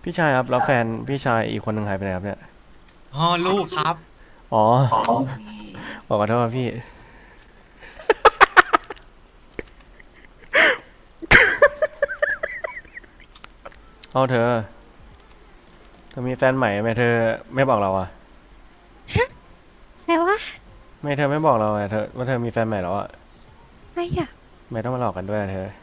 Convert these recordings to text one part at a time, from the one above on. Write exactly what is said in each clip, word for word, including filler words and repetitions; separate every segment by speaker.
Speaker 1: พี่ชายครับแล้วแฟนพี่ชายอีกคนหนึ่งหายไปไหนครับเนี่ย
Speaker 2: อ๋อลูกครับ
Speaker 1: อ๋อขอโทษครับพี่เอาเธอเธอมีแฟนใหม่ไหมเธอไม่บอกเราอ่ะ
Speaker 3: แปลว่า
Speaker 1: ไม่เธอไม่บอกเราอ่ะเธอว่าเธอมีแฟนใหม่แล้วอ่ะ
Speaker 3: อะไรอ่ะ
Speaker 1: ไม่ต้องมาหลอกกันด้วยอะเธอ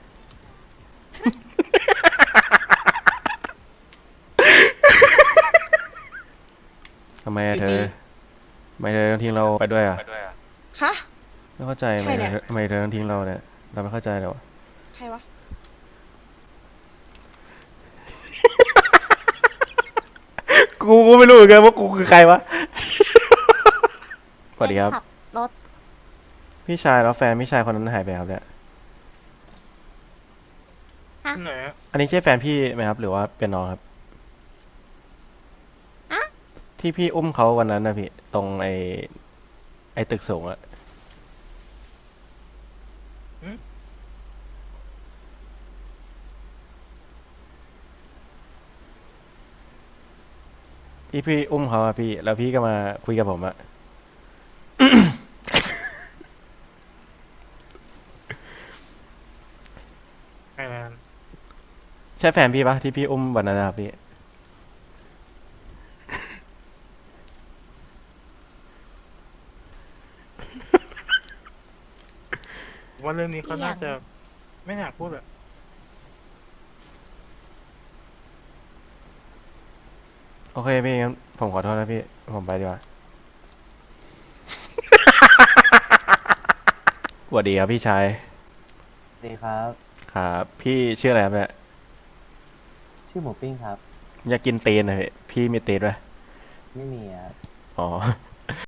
Speaker 1: ทำไมอะเธอทำไมเธอต้องทิ้งเราไปด้วยอ่ะ
Speaker 4: ฮะ
Speaker 1: ไม่เข้าใจทำ
Speaker 4: ใครเนี่ย
Speaker 1: ไมเธอทำไมเธอต้องทิ้งเราเนี่ยเราไม่เข้าใจเลยวะ
Speaker 4: ใครวะ
Speaker 1: กูก็ไม่รู้เหมือนกันว่ากูคือใครวะสวัสดีครับ
Speaker 3: ขับรถ
Speaker 1: พี่ชายแล้วแฟนพี่ชายคนนั้นหายไปครับเนี่ย
Speaker 2: ไหนอะ
Speaker 1: อันนี้ใช่แฟนพี่ไหมครับหรือว่าเป็นน้องครับ
Speaker 3: อะ
Speaker 1: ที่พี่อุ้มเขาวันนั้นนะพี่ตรงไอไอตึกสูงอะ ที่พี่อุ้มเขาอะพี่แล้วพี่ก็มาคุยกับผมอะ
Speaker 2: ไอ้นั่น
Speaker 1: ใช่แฟนพี่ปะที่พี่อุ้มวันนั้นนะครับพี่
Speaker 2: ว่าเรื่องนี้เขา
Speaker 3: เอี่ยง
Speaker 2: น่าจะไม่อยากพูดอะ
Speaker 1: โอเคพี่งั้นผมขอโทษนะพี่ผมไปดีกว่าสวัสดีครับพี่ชาย
Speaker 5: สวัสดีครับ
Speaker 1: ครับพี่ชื่ออะไรครับเนี่ย
Speaker 5: ชื่อหมูปิ้งครับ
Speaker 1: อยากกินตีนเลยพี่มีตีนไหม
Speaker 5: ไม่มีครับ
Speaker 1: อ๋อ